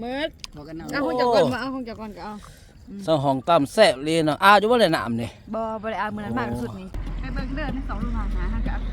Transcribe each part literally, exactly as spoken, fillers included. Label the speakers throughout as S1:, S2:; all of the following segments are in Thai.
S1: เมื่อเอาห้องจักรก่อนมาเอาห้องจักรก่อนก็เอา
S2: สองห้องตำแซ่บเลยเนาะอ้าวอยู่บ่ได้น้ำนี่
S1: บ่บ่ได้เอามื้อนั้นมากที่สุดนี่ไปเบิ่งเด้อในสองลูกหาหาหาก็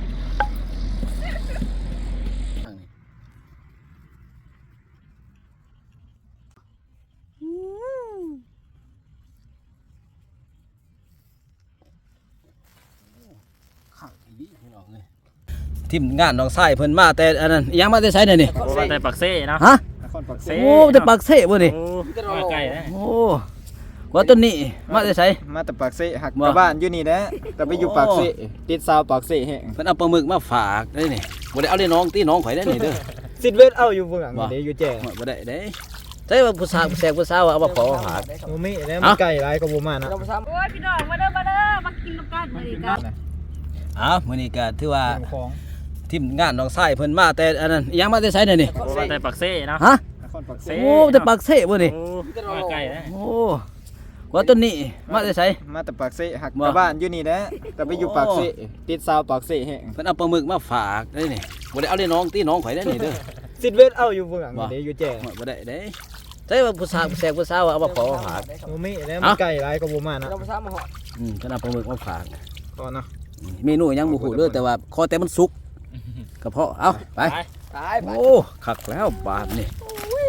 S2: ทีมงานน้องชายเพิ่นมาแต่อันนั้นยังมาแต่ไสเนี่ยนี่
S3: มาแต่ปักเซ่นะ
S2: ฮะโอ้แต่ปักเซ่บ่นี่
S3: มาไกลนะ
S2: โอ้ว่าต้นนี้มาแต่ไส
S4: มาแต่ปากเซ่หักกับบ้านอยู่นี่นะแต่ไปอยู่ปากเซ่ติดซาวปากเซ่แห้ง
S2: เพิ่นเอาปลาหมึกมาฝากได้นี่บ่ได้เอาเลยน้องตีน้องข่อยได้นี่เด้อ
S4: สิเวทเอาอยู่เบื้องหลังนี่อยู่แจ้ง
S2: บ่ได้เด้ใช่ว่าผู้สาวแสกผู้สาวเอามาขอฝาก
S4: โอ้มีแล้วมันไก่หลายก็บ่มานะ
S1: โอ้ยพี่น้องมาเด้อมาเด้อมากินกันมื้อนี้กัน
S2: อ้าวมื้อนี้ก็ถือว่าทีมงานน้องชายเพิ่นมาแต่อันนั้นยังมาแต่ไสเนี่ยนี่
S3: มาแต่ปักเซ่นะ
S2: ฮะโอ้แต่ปักเซ่บ่นี่
S3: มาไกลนะ
S2: โอ้ว่าต้นนี้มาแต่ไส
S4: มาแต่ปากเซ่หักกับบ้านอยู่นี่นะแต่ไปอยู่ปากเซ่ติดซาวปากเซ่แห้ง
S2: เพิ่นเอาปลาหมึกมาฝากได้นี่บ่ได้เอาเลยน้องตีน้องข่อยได้นี่เด้อ
S4: สิเวทเอาอยู่เบื้องหลังนี่อยู่แจ้ง
S2: บ่ได้เด้ใช่ว่าผู้สาวแสกผู้สาวเอามาขอฝาก
S4: โอ้มีแล้วมันไก่หลายก็บ่มานะ
S2: อืมเพิ่นเอาปลาหมึกมาฝาก
S4: ก่อนเนาะ
S2: เมนูยังบ่ฮู้เด้อแต่ว่าขอแต่มันสุกกระเพาะเอาไปตายโอ้คักแล้วบาดนี่โอ้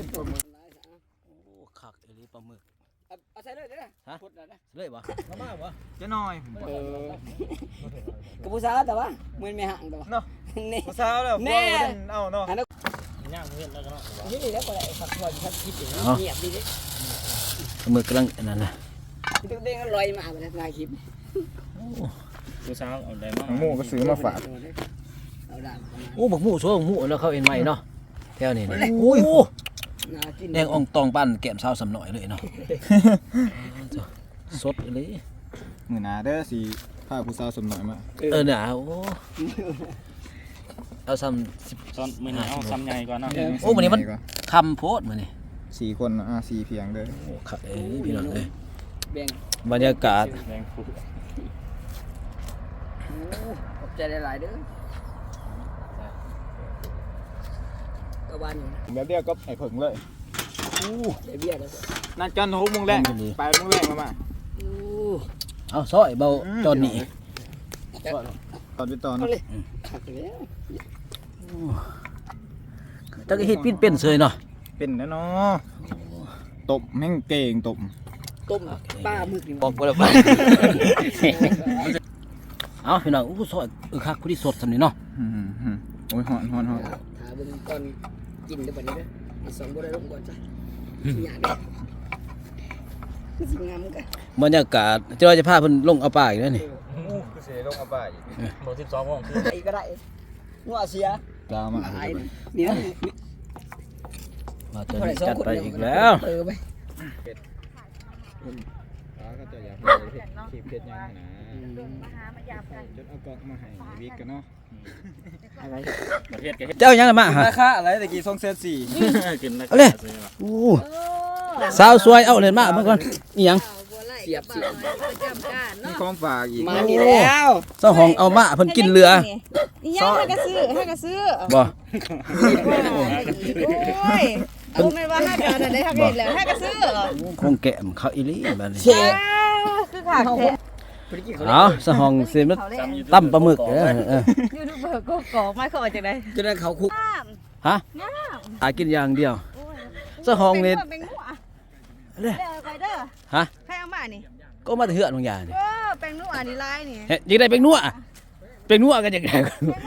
S2: คักอีหลีปลาหมึก
S1: เอาใส่เลยเด้อฮะพุดแล้วนะ
S2: เลยบ่มามาบ่
S4: จะน้อย
S1: เออกับผู้สาวแต่ว่ามื้อไม่ห่างตัว
S4: เนาะนี่ผู้สาวแล้วบ่เอาเนาะ
S3: ย่างเฮ็ดแล้วก็เนาะ
S1: นี่แล้วก็ได้ฝักทอดทัดคิดเงียบดีเด้
S2: ปลาหมึกกำลังนั่นน่ะ
S1: ตึกเด้งลอยมาบ่ได้ถ่ายคลิป
S3: ผู้สาวเอาได้มา
S4: หมูก็ซื้อมาฝาก
S2: โอ้บักหมูโซ่บักหมูแล้วเขาเอ็นใหม่เนาะแถวนี้นี่โอ้ยแดงอ่องตองปั้นแก้มสาวสำหน่อยเลยเนาะสดเลย
S4: มื้อหน้าเด้อสิพาผู้สาวสำหน่อยมา
S2: เออน่ะโอ้เอาซ้
S3: ำซ้อนมื้อนี้เอาซ้ำใหญ่ก่อนเนาะ
S2: โอ้มื้อนี้มันคำโพดมื้อนี้
S4: สี่คนอ่ะสี่เพียงเด้อ
S2: โอ้ครับเอ้ยพี่น้องเอ้ย
S1: แบ่ง
S2: บรรยากาศ
S3: แบ่งผู้
S1: โอ้ขอบใจหลายๆเด้อก็บ้านอยู่
S4: แบบเดียวก็ไอ้เผิงเลย
S1: อู้ได้เบี้ยแล้ว
S4: นั่นจันหกโมงแรกไปโมงแรกมามา
S1: อู้
S2: เอาซอยเบาจอนนี่
S4: ตอนไปตอน
S1: ขัดแล้ว
S2: จักเฮ็ดปิ้นเป็นเสยเนาะ
S4: เป็นแล้วเนาะตบแม่งเก่งตบ
S1: ต้มปลาหมึกนี่
S2: บอกบ่ได้ไปเอาพี่น้องอู้ซอยเออคักผู้ที่สดสำนี่เนาะ
S4: อืมๆโอ้ยฮ้อนๆๆ
S1: ถ้าเบิ่งก่อนกินได้บัดนี้เด้ออีสองบ่ได้ลงก่อนจ้ะสิหยังเด้อคือสิงามกัน
S2: บรรยากาศที่เราจะพาเพิ่นลงเอาป่าอีกแล้วนี่
S4: โอ้คือสิลงเอาป่าอีก
S3: บ่สิบสองโมงคือ
S1: ไอ้ก็ได้งัวเสีย
S4: กามา
S1: นี่นะ
S2: มาจะจัดไปอีกแล้ว
S1: เออไป
S4: อ๋อก็จะอยากเฮ็ดคลิปเฮ็ดหยังนะมาหามายามกันจนเอากล่องมาให้วิกกันเนาะ
S1: อะไร
S3: ประเทศก็เฮ็ด
S2: เจ้ายังมาฮะ
S4: ราคาอะไรตะกี้สองแสนสี่
S3: กินราคา
S2: โอ้สาวสวยเอาเลยมาเมื่อก่อนอีหยัง
S1: เสียบเสียบ
S4: มีของฝากอีก
S1: มานี่แล้ว
S2: เจ้าของเอามาเพิ่นกินเรือ
S1: อีหยังให้ก็ซื้อให้ก็ซื้อ
S2: บ่
S1: โอ้ยเอาแม่นว่าให้กันได้ทักเฮ็ดแล้วให้ก็ซื้อ
S2: คงแก้มเขาอีหลีบัดนี้
S1: คือขาดแท้
S2: เอาสะห้องสิมันตำปลาหมึกเด้อเออ
S1: ยูทูบเบอร์ก็กอกมาเข้าจังได๋
S2: จะได้เขาคุกฮะหากินอย่างเดียวสะห้องนี่เด้อฮะ
S1: ใครเอามานี่
S2: ก็มาเถื่อนบางอย่างนี่
S1: เออแป้งนัวนี่ลายนี่
S2: เฮ็ดยังได้แป้งนัวแป้งนัวกันจังได๋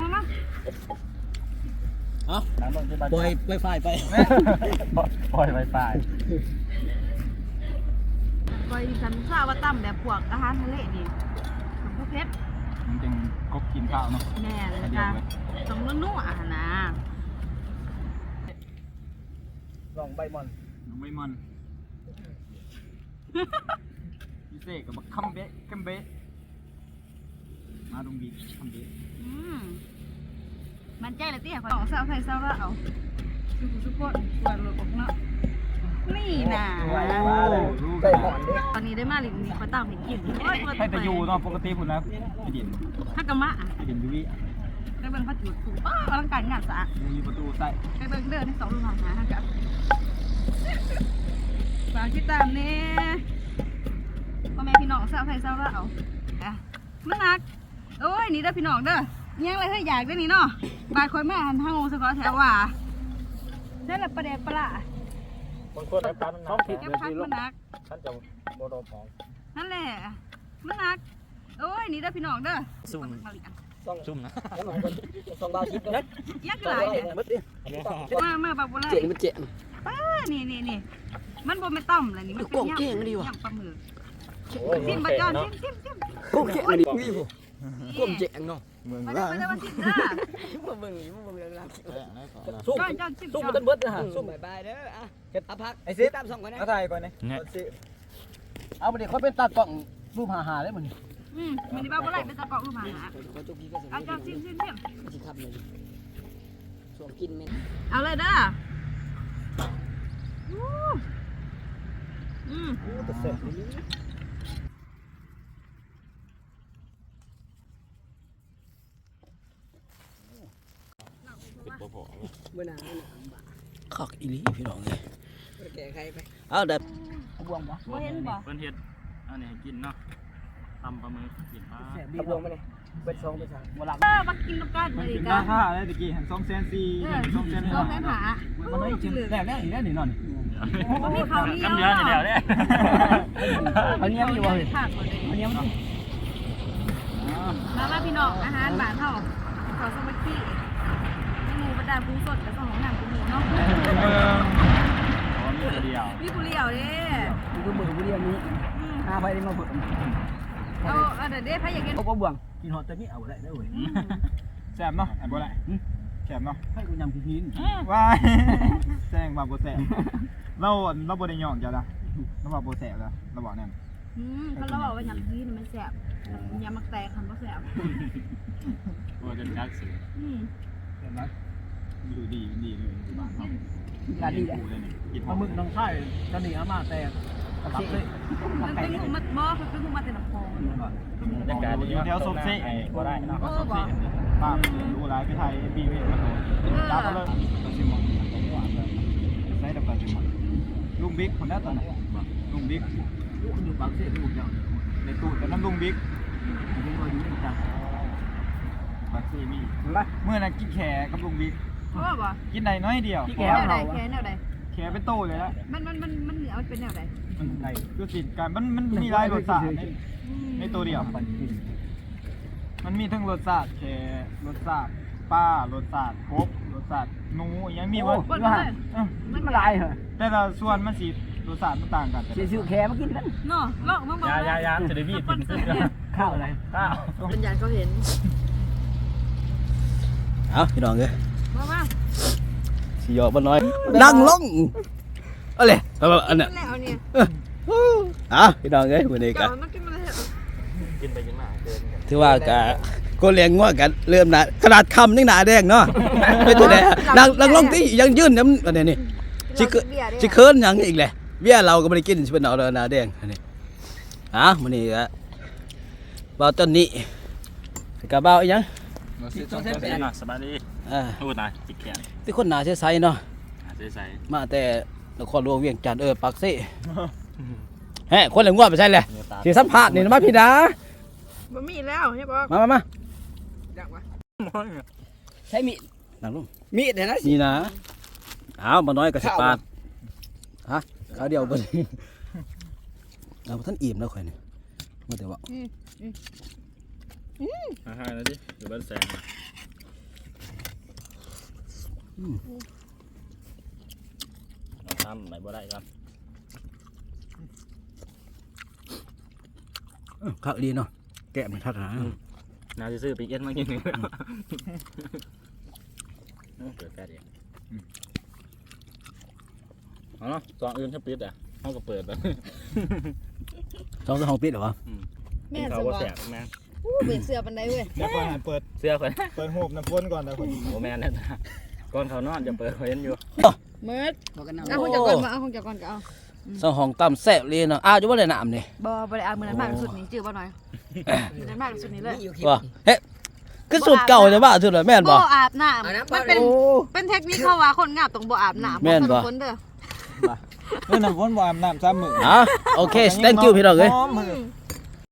S2: เอ้าปล่อยไวไฟไป
S3: ปล่อยไวไฟ
S1: ปล่อยฉันทราบว่าตั้มแบบพวกอาหารทะเลนี่ของพวกเพชร
S4: มันจึงกบกินข้าวเนาะ
S1: แม่เลยจ้ะต้องนัวๆอ่ะนะ
S2: ลองใบมอน
S4: ลองใบมอนพิเศษกับคัมเบะคัมเบะมาตรงบีคัมเบะ
S1: อืมมันใจละเตี้ยของสาวไทยสาวเราสุขุสุขคนสวยรถออกเนาะนี่นะตอนนี้ได้มาหลิงนี่เขาตั้งเป็นกิน
S4: ให้แต่อยู่เนาะปกติคุณนะไปดิน
S1: ฮักกะมะ
S4: ไปดินยูวิ
S1: ไปเบิ่งพระจุดถูกป้าอลังการงานสะอาด
S4: มีประตูใส่
S1: ไปเบิ่งเดินในสองลูกหาฮักกะากติดตามแน่พ่อแม่พี่น้องสาวไทยสาวลาวอ่ะมันหนักโอ้ยนี่เด้อพี่น้องเด้อยังเลยเฮ้ยอยากได้นี่เนาะบาดคอยแม่หันทางงสกอแถวว่านั่นแหละประเด็นปลา
S3: บางคนน้ำตาลท้องผิด
S1: แก้พักมันหนัก
S3: ท่านจะโมโดมอง
S1: นั่นแหละมันหนักโอ้ยนี่เด้อพี่น้องเด้อ
S3: ซุ่ม
S1: มาเรียน
S3: ซุ่มนะ
S2: สองบาทสิบนะ
S1: ยักษ์หลายเนี่ยมามาบักบัวไหล
S2: เจ๋งมันเจ๋ง
S1: ป้านี่นี่นี่มันบ่ไม่ต้มเลยนี่มันเป็นยำยำปลาหมึกซิมบะจอนซิมซิมซิม
S2: กุ้งเจ๋งดิกุ้งกุ้งเจ๋งเนาะ
S4: เมือง
S1: มา
S4: ล่า
S1: ได้
S4: ง
S1: มาได้มาซิมเด้อ
S2: มาเบิ่งนี่มาเบิ่งเรื่องราว
S3: ซุ่ม
S1: จอนจอนซิม
S2: ซุ่ม
S1: จ
S2: มั
S1: อน น
S2: ต้นเบิดนะฮะซุ่ม
S5: บายเด้ออ่ะเอาพัก
S4: ไอ้ซิ
S5: ตามส่งก่อนนะ
S4: เอาถ่ายก่อนนะ
S3: เนี่ย
S2: เอาไปเด็กเขาเป็นตากล้องรูปหาหาได้เหมือน
S1: อืมมันนี่บ้าบัวไหลเป็นตะกอกรูปหา
S5: ขอจุกกี้ก็สิ
S1: เอาจอนซิมซิมซิม
S5: สิครับเลยส่วนกินแม่ง
S1: เอาเลยเด้ออืม
S5: เมื่อหนา
S2: ขอกอีหลีพี่น้องเลย
S5: แก่ใครไป
S2: เอาเด็ด
S5: บวงบ่
S1: บ่เห็นบ่
S3: เพิ่นเฮ็ดอันนี้ให้กินเนาะตำปลาหมึกกินปลา
S5: บีบวงมาเลยเปิดซองเปิดซองบ่หลับ
S1: เออมากินน้ำกัน
S4: มั
S1: เล
S4: น
S1: ย
S4: เป็น
S1: กั
S4: ราน คาอะไรตะกี้หันสองแสนสี่
S1: เออ
S4: สองแสน
S1: ต้
S4: ห้า
S1: องแทนหา
S2: มันไม่จริงแรกแรกอีกแล้วนี่นอน
S1: บ่มีเขาวเหนียว
S3: น้ำเดือดนี่เดียวเนี่ย
S2: อันนี้ไม่อยู่เลย
S1: ผักหมดเลย
S2: อันนี้มัน
S1: มามาพี่น้องอาหารบ้านเฮาขอสมัครหมูบรรดาปูสดกับสองน้ำปูหมูเนาะ
S3: อ๋อมีตัวเดียว
S1: มีปูเลี้ยวเด้
S5: มันก็เบื่อเรียนนี้หาไปได้มาเปิด
S1: เอาเอาเดี๋ยวเด้พายอยากกิน
S5: โอ้บ่บวง
S2: กินหอดแต่นี่เอาได้ได้เว้ย
S4: แซ่บเนาะอันบ่ได้แซ่บเนาะ
S2: ให้กูยำกิน
S4: ว้ายแซงว่าบ่แซ่บเราเราบ่ได้ย่องจ้ะล่ะเราว่าบ่แซ่บแล้วเราบอกแน่น
S1: อืมเขาเราบอกว่าอย่างนี้มันแซ่บยำมักแตกคันบ่แซ่บ
S3: ตัวจนยักษ์สิ
S1: อืม
S4: เห็นไหมดูดีดีเลยที่บ้านเรา
S5: การดีแหละ
S4: ดูเลยนี่กิน
S2: ปลาหมึกน้องไข่ตอนนี้อามาแต่กระตับเลย
S1: มันเป็นหูมัดบ่มันเป็นหูมัดแต่น้ำพอง
S3: บรรยากาศดี
S4: อยู่แถวสมเซ่
S3: ก็ได้เนาะ
S1: เออบ่
S4: ป้าดูร้ายไปไทยบีเวทมาโดนจับมาเลยตัดสิมอนใส่ดับตัดสิมอนลุงบิ๊กคนนั้นตอนไหนลุงบิ๊ก
S2: ลูกคุณอยู่ปากเสียลูกเจ้า
S4: ในตู้แต่น้ำลุงบิ๊ก
S2: เห็นว่าอยู่ในจัง
S4: บักซีมีเมื่อนั้นกินแขกับลุงบิ๊ก
S1: เออบ่
S4: กินได้น้อยเดียว
S1: แนวใดแค่แนวใด
S4: แขเป็นโตเลยละ
S1: มันมันมันมันเหนือมันเป็นแนวใด
S4: มันไงคือติดกันมันมันมีหลายรสชาติในในตัวเดียว มันมีทั้งรสชาติแขรสชาติป้ารสชาติกบรสชาติหนูยังมีว่า
S1: บนเลย
S5: มันมาลายเหรอ
S4: แต่ละส่วนมันสีรสชาติมันต่างกัน
S5: สิซื้อแค่มากินกัน
S1: เนาะลอกมาบ่
S3: ยายายาจะได้บีบถึงขึ้น
S5: ข้าวอะไร
S3: ข้าว
S1: เป็นญาณเขาเห็น
S2: เอาพี่น้องเลย
S1: มามา
S2: สิยอบ่น้อยนั่งลงเอาเลยเอาอันเนี้ย
S1: แล้วเนี่ย
S2: อ่ะพี่น้องเอ้ยมื้อนี้ก็
S1: ก่อนมันกินมาแล้ว
S3: กินไปกินมาเกินกัน
S2: ถือว่าก็ก็เลี้ยงงัวกันเริ่มหน้าขนาดคำนี่หน้าแดงเนาะไม่ตัวแดงนั่งนั่งลงที่ยังยืนน้ำอันนี้นี่สิเกิสิเคินหยังอีกแหละเบี้ยเราก็บ่ได้กินสิเป็นเอาแล้วหน้าแดงอันนี้อ่ะมื้อนี้ก็บ่าวต้นนี้ก็บ่าวอีหยัง
S3: เป็นเนาะสบายดี
S2: อ่า
S3: พูดนะจิกแขน
S2: ที่คนหน้าใสๆเนาะ
S3: ใส่
S2: มาแต่นครหลวงเวียงจันทน์เออปากซี่แฮะคนเหลืองงัวไปใช่เลยสิสัมภาษณ์นี่นะมาพี่ดา
S1: บ่มีแล้วใช่ป่ะ
S2: มามามา
S5: ใช้มีด
S2: นั่งลง
S5: มีดเห็นนะ
S2: นี่นะอ้าวมาน้อยก็สิปาดฮะข้าวเดียวบ่ได้เอาท่านอิ่มแล้วข่อยนี่มาแต่ว่า
S3: อาหารนะดิอยู่บ้านแสงเราทำไหนบ่ได้ครับ
S2: ข้าวดีเนาะแกะมันทัดหา
S3: น่าจะซื้อปีเอ็นมากินหนึ่งเกิดแค่เดียวเอาเนาะสองอื่นถ้าปิดอ่ะเขาก็เปิดแล้ว
S2: สองสองปิดเหรอวะ
S1: แม่
S3: เขา
S1: ส
S3: ก็
S1: บา
S3: แส
S1: ย
S3: บแม่
S1: อู้เบ็ดเสือปันไดเว้ย
S4: เดี๋ยวก่อนให้เปิด
S3: เสื้อคน
S4: เปิดหูบน้ำพ่นก่อนนะคน
S3: โอ้แม่เนี่ยก่อนเขานอนจะเปิดเห็นอยู่
S1: เมิด
S5: บอกกันเอา
S1: เอาคงจักก่อนมาเอาคงจักก่อนก็เอา
S2: สองห้องต่ำแซ่บเลยเนาะอ้าวอยู่บ่ได้น้ำนี่
S1: บ่บ่ได้เอามือนั้นมากที่สุดนี่จื้อบ่หน่อยมือนั้นมากที่สุดนี่เลย
S5: อยู่
S2: ว่าเฮ้คือสูตรเก่าจะว่าสุดเลยแม่นบ่
S1: บ่อาบน้ำมันเป็นเป็นเทคนิคเขาว่าคนงามต้องบ่อาบน้ำ
S2: แม่นบ่
S1: คนเด้อ
S4: เออน้ำฝนบ่อาบน้ำซ้ำมื้อ
S2: อ๋อโอเค thank you พี่น้องเอ้ย
S4: หอมมื้อ